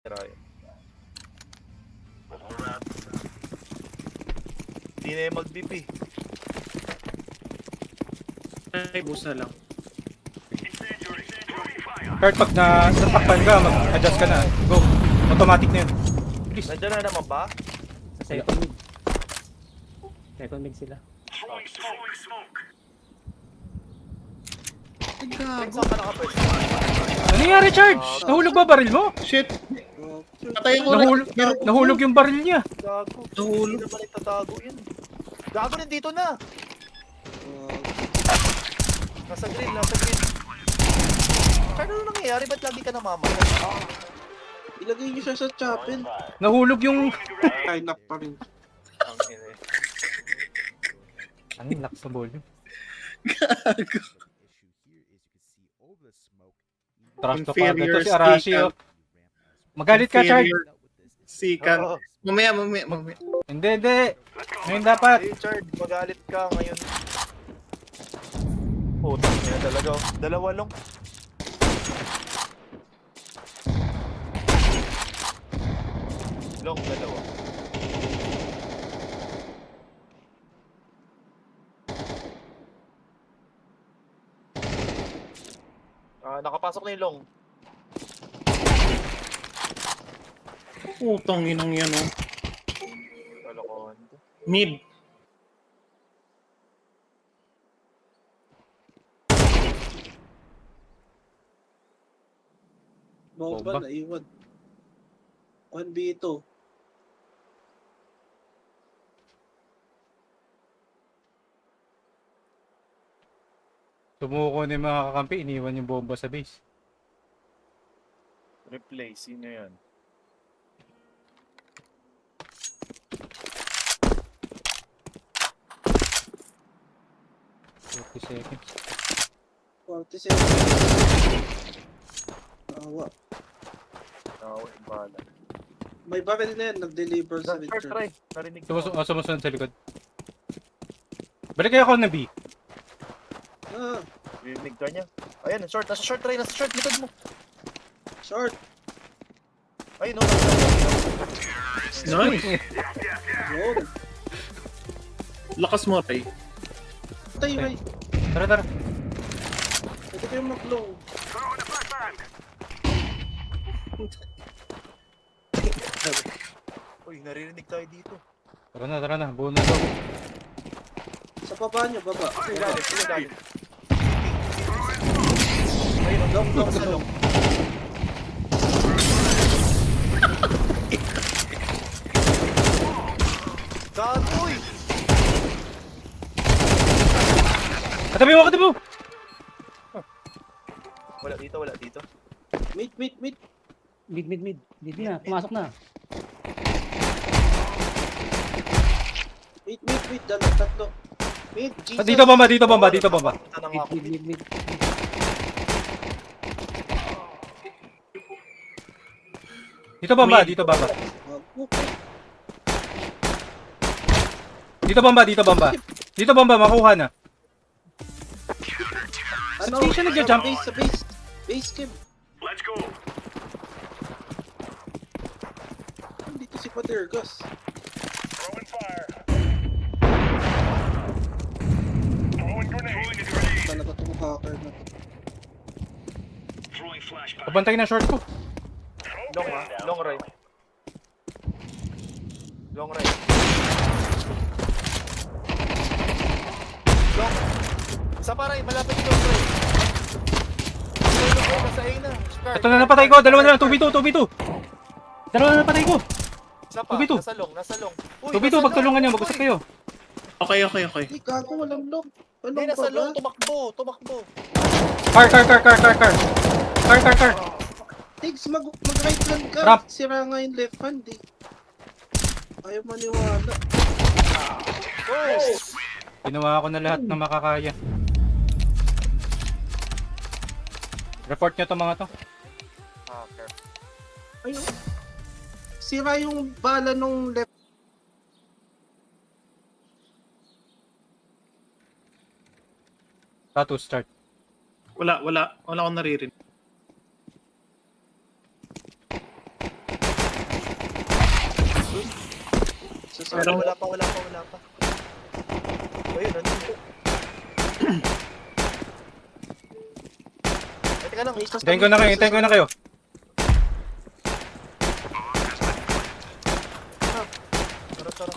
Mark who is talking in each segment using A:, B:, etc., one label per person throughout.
A: Hindi na yung mag-BP.
B: Ay, busa lang.
C: Kurt, pag natakpan ka, mag-adjust ka na. Go. Automatic na yun. Please.
A: Nandiyan na naman ba?
D: Sa second mid. Second mid sila.
B: Ay,
A: Alex,
B: gago.
A: saan ka nakapwede?
C: Ano nangyari, Charge? Nahulog ba baril mo?
B: Shit. Patayin ko na.
C: Nahulog yung baril niya.
A: Gago.
B: Nahulog.
A: Hindi naman itatago yan. Gago rin dito na. Nasa green, nasa green. Saan ano nangyayari? Ba't lagi ka namamatay?
B: Ilagay niyo siya sa chapel.
C: Nahulog yung...
B: Ay, knock pa rin.
A: Ang ina.
C: Ano yung lock sa volume?
B: Gago.
C: Trash to
B: Inferior
C: to si Arashi,
B: skill.
C: oh. Magalit ka, Charge.
B: Sikan.
A: Oo.
B: Mamaya.
C: Hindi. Ngayon dapat.
A: Richard, magalit ka ngayon. Puta niya talaga. Dalawa lang. Long, dalawa. Nakapasok na yung long.
B: Putang inang yan, oh.
A: Kalokohan.
B: Mid.
C: Bomba.
B: Bomba, naiwan. 1v2.
C: Sumuko na yung mga kakampi, iniwan yung bomba sa base.
A: Replay, sino yan?
C: Fifty seconds.
B: 47. Awa.
A: Bala.
B: May barrel na yan, nag-deliver sa
A: Third
B: Richard.
A: try. Narinig ko.
C: Sumusunod sa likod. Balik kayo ako ng B.
B: Ah,
A: Narinig ka niya. Ayan, short. Nasa short try. Nasa short. Likod mo.
B: short.
A: Ayun, no.
B: Nice. Yun. Lakas mo, Ray. Tay, Ray.
C: Tara.
B: Pwede kayo mag-low.
A: Uy, naririnig tayo dito.
C: Tara na. Buo na daw.
B: Sa baba nyo, baba.
A: Sino galit? Ayun, long sa long. Gago, uy!
C: Katabi mo!
A: Wala dito.
B: Mid.
D: Mid. Mid na. Pumasok na.
B: Mid. Tatlo. Mid, Jesus.
C: Dito bomba.
A: Punta na nga ako.
D: Mid.
C: Dito bomba.
B: Okay.
C: Dito bomba, makuha na.
B: Ano?
C: Di siya nagja-jump.
B: Sa base. Base camp.
E: Let's go.
B: Dito si Padergas.
E: Throwing fire. Throwing grenade.
B: Talaga itong hacker na.
E: Throwing flashbang.
C: Pabantay na short ko.
A: Long, long right. Long. Isa pa rin, malapit yung long right. Nasa A na. Start.
C: Ito na napatay ko. Dalawa na lang. 2v2. Dalawa na napatay ko.
A: Isa pa,
C: 2v2.
A: nasa long. Uy,
C: 2v2,
A: nasa
C: pagtulungan
A: long.
C: nyo. Mag-usap kayo.
B: Okay.
A: Ano
B: Hey, gago, walang lock.
A: Hindi,
B: Walang
A: nasa long,
B: baba.
A: tumakbo.
C: Car.
B: Tiggs, mag-right hand ka.
C: Ramp.
B: Sira nga yung left hand eh. Ayaw maniwala.
A: Oh!
C: Ginawa ko na lahat ng makakaya. Report nyo to mga to.
A: Hacker.
B: Ayun. Sira yung bala nung left.
C: Tattoo start.
B: Wala akong naririnig.
A: Wala pa. O yun, ano yun? Teka lang,
C: Hintayin ko na kayo.
A: Tara.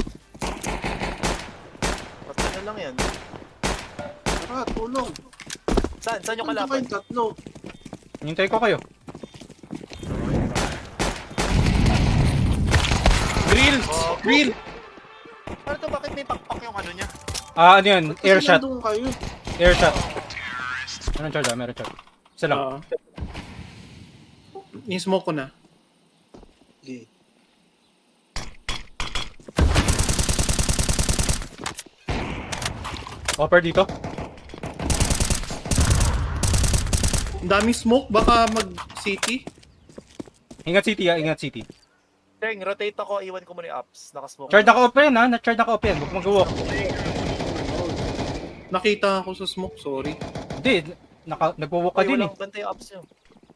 A: Basta na lang yan.
B: Tara, tulong.
A: Saan yung
B: Ano
A: kalaban?
B: kayong tatlo?
C: Hintayin ko kayo.
D: Grill!
A: Ano to, bakit may pakpak yung ano niya?
C: Ano yun?
B: Ba't kasi
C: Air shot.
B: nandun kayo?
C: Air shot. Meron charge meron charge. Isa lang.
D: Oo. Ni-smoke ko na.
B: Okay.
C: Offer dito.
D: Ang daming smoke, baka mag-city.
C: Ingat city ingat city.
A: Teng, rotate ako, iwan ko muna yung ups. Nakasmoke.
C: Charge ako open ha, na-charge ako open. Huwag mag-walk.
D: Nakita ako sa smoke, sorry.
C: Hindi, nagwo-walk ka din eh.
A: Walang bantay yung ups nyo.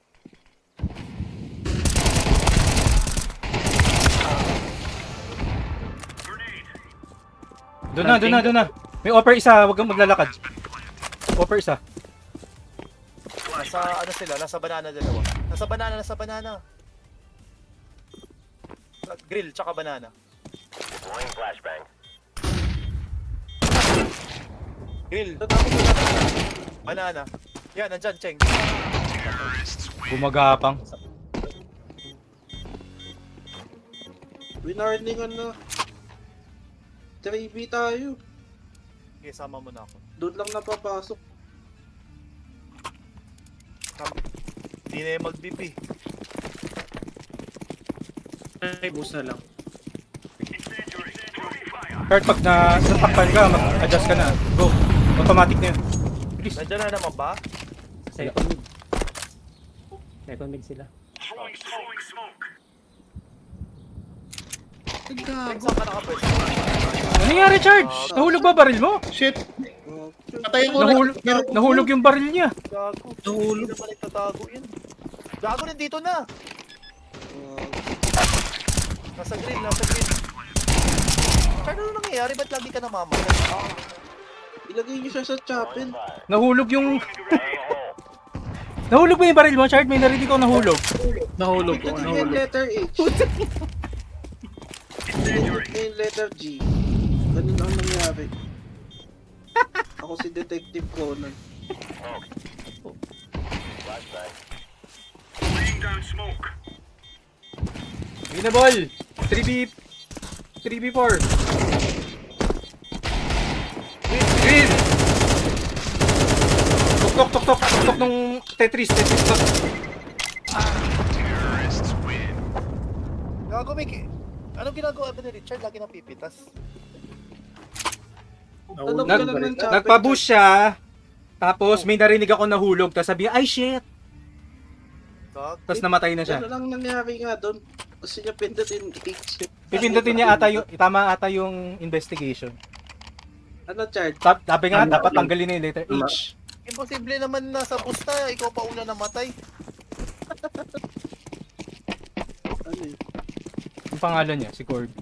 C: Doon na. May offer isa, huwag kang maglalakad. Offer isa.
A: Nasa ano sila, nasa banana dalawa. Nasa banana. Grill, tsaka banana. Grill. Banana. Yan, nandyan, Cheng.
C: Gumagapang.
B: Winarningan na. 3B tayo.
A: Okay, sama mo na ako.
B: Doon lang napapasok.
A: Hindi na yung mag-BP.
D: Ay, boost na lang.
C: Kurt, pag natakpan ka, mag-adjust ka na. Go. Automatic na yun. Bilis.
A: Nandyan na naman ba?
D: Second mid. Second mid sila.
A: Cheng,
D: Gago.
A: saan ka nakapwes?
C: Ano nangyari, Charge? Nahulog ba baril mo?
D: Shit!
B: Oh,
D: Patay ako na.
C: Nahulog yung baril niya.
A: Gago.
D: Nahulog.
A: Hindi naman nagtatago yun. Gago, nandito na. Nasa grill. Chard, ano nangyayari? Ba't lagi ka namamatay?
B: ilagay niyo siya sa chapel.
C: Nahulog yung... Nahulog ba yung baril mo, Chard? May narinig ko nahulog.
D: Nahulog ko.
B: Pindutin niyo yung letter H. Pindutin niyo yung letter G. Ganun ang nangyari. Ako si Detective Conan.
C: Winnable! 3B4. Win! Tok nung Tetris tok.
A: Gago, Mickey. Anong ginagawa ba ni Richard? Lagi napipitas.
B: Tanong
C: Nag-
B: ka lang ng chapel.
C: Nagpa-boost siya. Tapos may narinig ako nahulog. Tapos sabi niya, ay shit!
A: Gago.
C: Tapos namatay na siya.
B: Ano lang nangyari nga doon? Gusto niya pindutin H.
C: Pipindutin niya ata yung, tama ata yung investigation.
B: Ano, Chard?
C: Sabi nga, dapat tanggalin na yung letter H.
A: Imposible naman na sa busta. Ikaw pa una namatay.
B: Ano yun?
C: Yung pangalan niya, si Corby.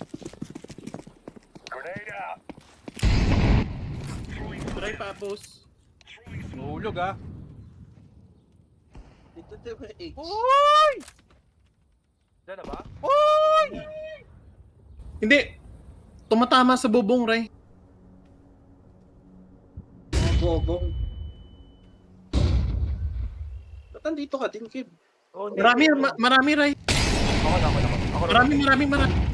D: Try pa, boss.
C: Nahulog ah.
B: Pindutin mo yung H.
C: Uy!
A: Diyan na ba?
D: Hindi. Tumatama sa bubong, Ray.
B: Mga bobong. Ba't nandito ka din, Kib?
A: Oh, hindi.
D: Marami, Ray.
A: Ako na.
D: Marami.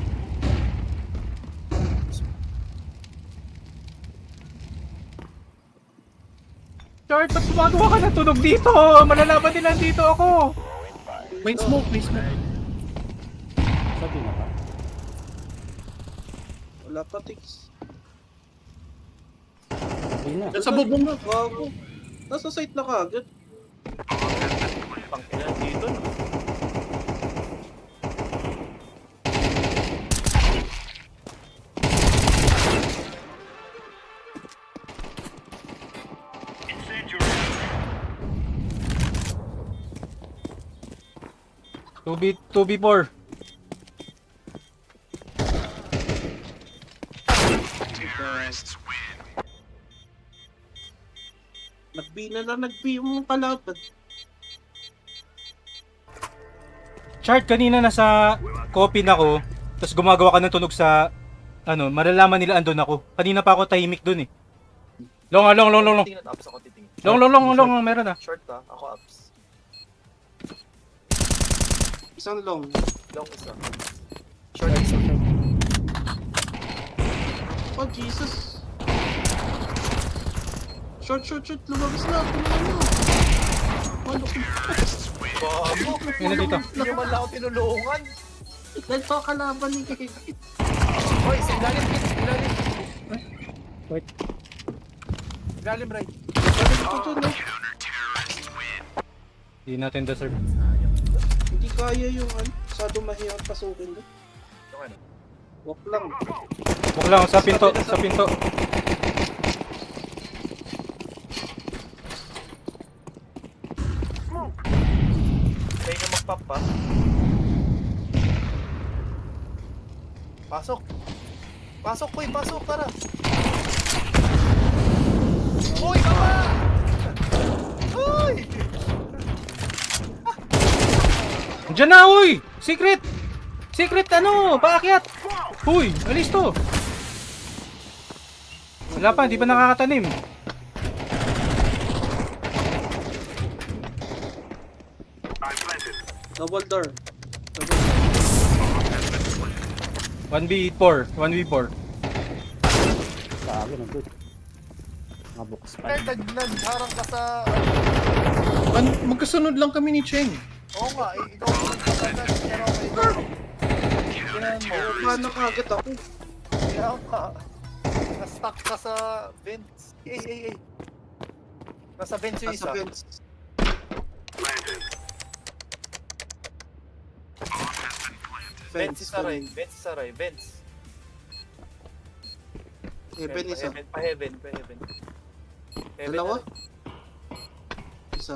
C: Chard, ba't gumagawa ka ng tunog dito? Malalaban nila dito ako.
D: May smoke.
B: Wala pa, Tix.
D: Sa bubong na.
B: Gago. Nasa site na kagad.
A: Pangkilan dito. No?
B: Nag-B na lang, nag-B yung kalaban.
C: Chart, kanina nasa copy na ko, tapos gumagawa ka ng tunog sa, ano, malalaman nila andun ako. Kanina pa ako tahimik dun eh. Long.
A: Tingnan, ups ako titingin.
C: Long, meron ah.
A: Short ka, ako ups.
B: Isang long.
A: Long isa. Short isa.
B: Oh, Jesus. Short. Lumabas na. Tingnan mo. Ano ko?
A: Bago!
C: Yan na dito.
A: Hindi man lang ako tinulungan.
B: Ganito ang kalaban ni Kikit.
A: Hoy, sa ilalim, ilalim.
D: Wait.
A: Ilalim, right.
B: Ito dyan, no?
C: Hindi natin deserve.
B: Hindi kaya yung ano. Masyado mahirap pasukin doon.
A: Yung ano?
B: Walk lang.
C: Huwag lang, sa pinto.
A: Kaya nyo mag-pop pa. Pasok! Pasok, Koy! Pasok, tara! Uy, kama! Uy!
C: Diyan na, uy! Secret ano, paakyat! Uy, alis to! Wala pa, hindi pa nakakatanim.
B: Double door.
C: 1v4.
D: Sa akin, nandun. Mga bukas pa.
A: Kaya nagharang ka sa...
F: Magkasunod lang kami ni Cheng.
A: Oo nga, ikaw ang nagkakagat. Pero ako ikaw. Ginahan mo.
B: Paano kagad ako?
A: Kaya nga. Na-stuck ka sa vents. Ay. Nasa vents yung
B: Nasa
A: isa.
B: fence.
A: Vents isa rin. Vents isa rin. Vents.
B: Heaven isa.
A: Pa-heaven.
B: Dalawa? Isa.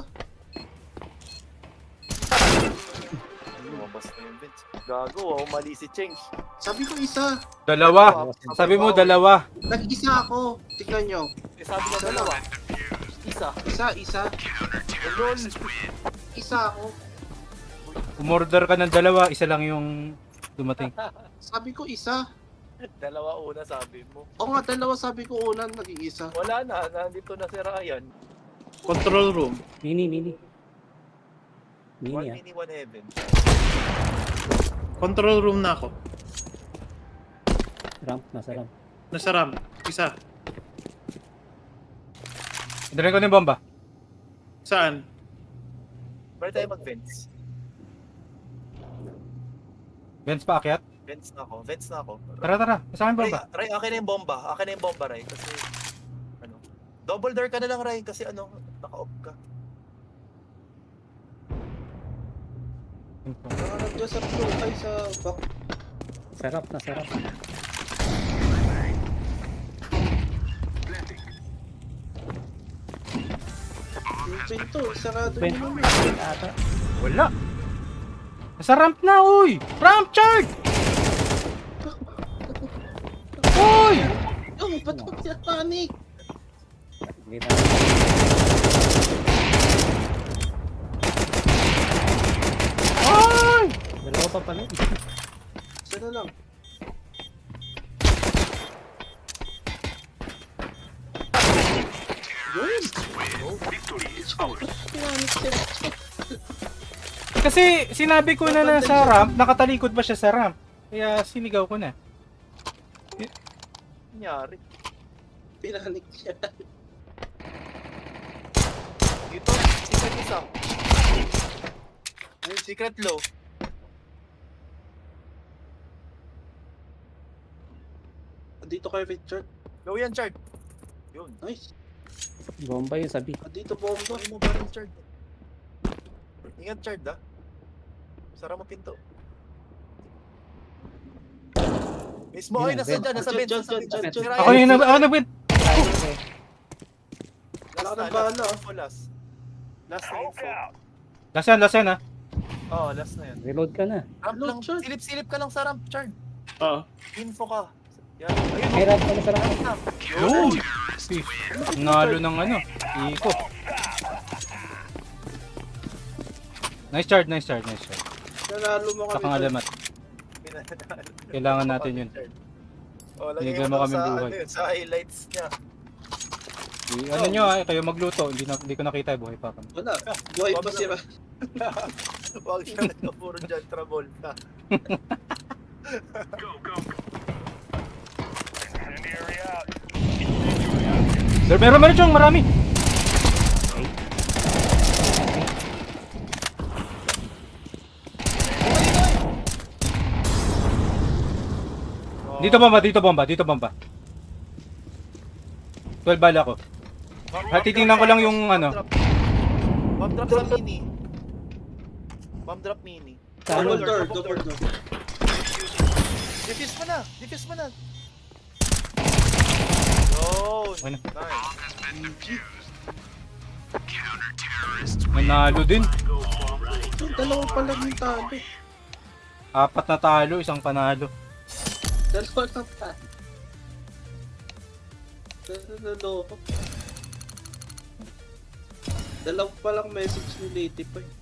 A: Lumabas na yung vents. Gago, mali si Cheng.
B: Sabi ko isa.
C: Dalawa. Sabi mo, dalawa.
B: Nag-isa ako. Tignan nyo.
A: Sabi ko dalawa. Isa.
B: Isa.
A: Lol.
B: Isa ako.
C: Umorder ka ng dalawa, isa lang yung dumating.
B: Sabi ko isa.
A: Dalawa una sabi mo.
B: O nga, dalawa sabi ko una, naging isa.
A: Wala na, nandito na si Ryan.
F: Control room.
D: Mini.
A: One
D: Ah.
A: mini, one heaven.
F: Control room na ako.
D: Nasa ramp.
F: Nasa ramp. Isa.
C: Dalhin ko na yung bomba.
F: Saan?
A: Pwede tayo mag-vents.
C: Benz paakyat.
A: Vents na ako.
C: Tara. Sa akin bomba.
A: Ray, akin na yung bomba. Ray. Kasi, ano, double door ka na lang, Ray. Kasi, ano, naka-off ka.
B: Nakakarap dyan sa floor, ay sa back.
D: Nasa ramp.
B: Yung pinto, sarado
D: Ben.
B: nyo naman.
D: Ata.
C: Wala. Nasa ramp na, uy! Ramp charge! Uy!
B: Oh, ba't ko panic?
D: Hindi na.
C: Ay!
D: Dalawa pa pala.
B: Isa na lang. Yun! Panic siya.
C: Kasi sinabi ko na nasa ramp, nakatalikod ba siya sa ramp? Kaya sinigaw ko na.
A: Nangyari.
B: Pinanik siya.
A: Dito, secret isa. Ay, secret low.
B: Dito kay Richard.
A: Low yan, Chard. Yun.
B: Nice.
D: Bomba yung sabi.
B: Dito bomba.
A: Sorry mo ba rin, Chard? Ingat, Chard, ah. Sara mo pinto. Mismo, ay, nasa dyan, nasa
B: Dyan,
A: bench, nasa
B: dyan,
A: bench.
B: dyan,
A: Si
B: dyan.
A: Ryan,
C: Ako yung nag-win.
B: Wala ka ng bala, ah.
A: Last na
E: Smoke
A: info.
E: out.
C: Last yan ha.
A: Oo, last na yan.
D: Reload ka na.
A: Ramp lang,
B: Chard.
A: silip-silip ka lang sa ramp, Chard.
F: Oo.
A: Info ka. Yan. Ayun,
D: May ramp ka na sa ramp.
A: ramp na.
C: Yun! Nalo ng ano, Iko. Nice charge, nice charge, nice charge.
B: Nanalo mo
C: Sa
B: kami.
C: alamat. Kailangan natin yun.
A: Oh, lagay
C: Binigyan
A: mo
C: mo
A: daw
C: kaming
A: sa,
C: buhay.
A: ano yun, sa highlights niya.
C: Ano nyo kayo magluto. Hindi ko nakita, buhay pa kami.
B: Wala. Buhay pa sila.
A: Huwag siya na puro John Travolta.
E: Go, go, go. Incendiary out.
C: Meron siyang marami. Dito bomba. 12 bala ko. Titingnan ko lang yung ano.
A: Bomb drop sa mini. Bomb drop mini.
B: Double door, double door.
A: Defuse mo na. Yun.
C: Ano?
A: Nice.
C: Nanalo din.
B: Dalawa pa lang yung talo.
C: 4 na talo, 1 panalo.
B: Dalawa lang talo. Dalawa pa lang message ni Lady pa.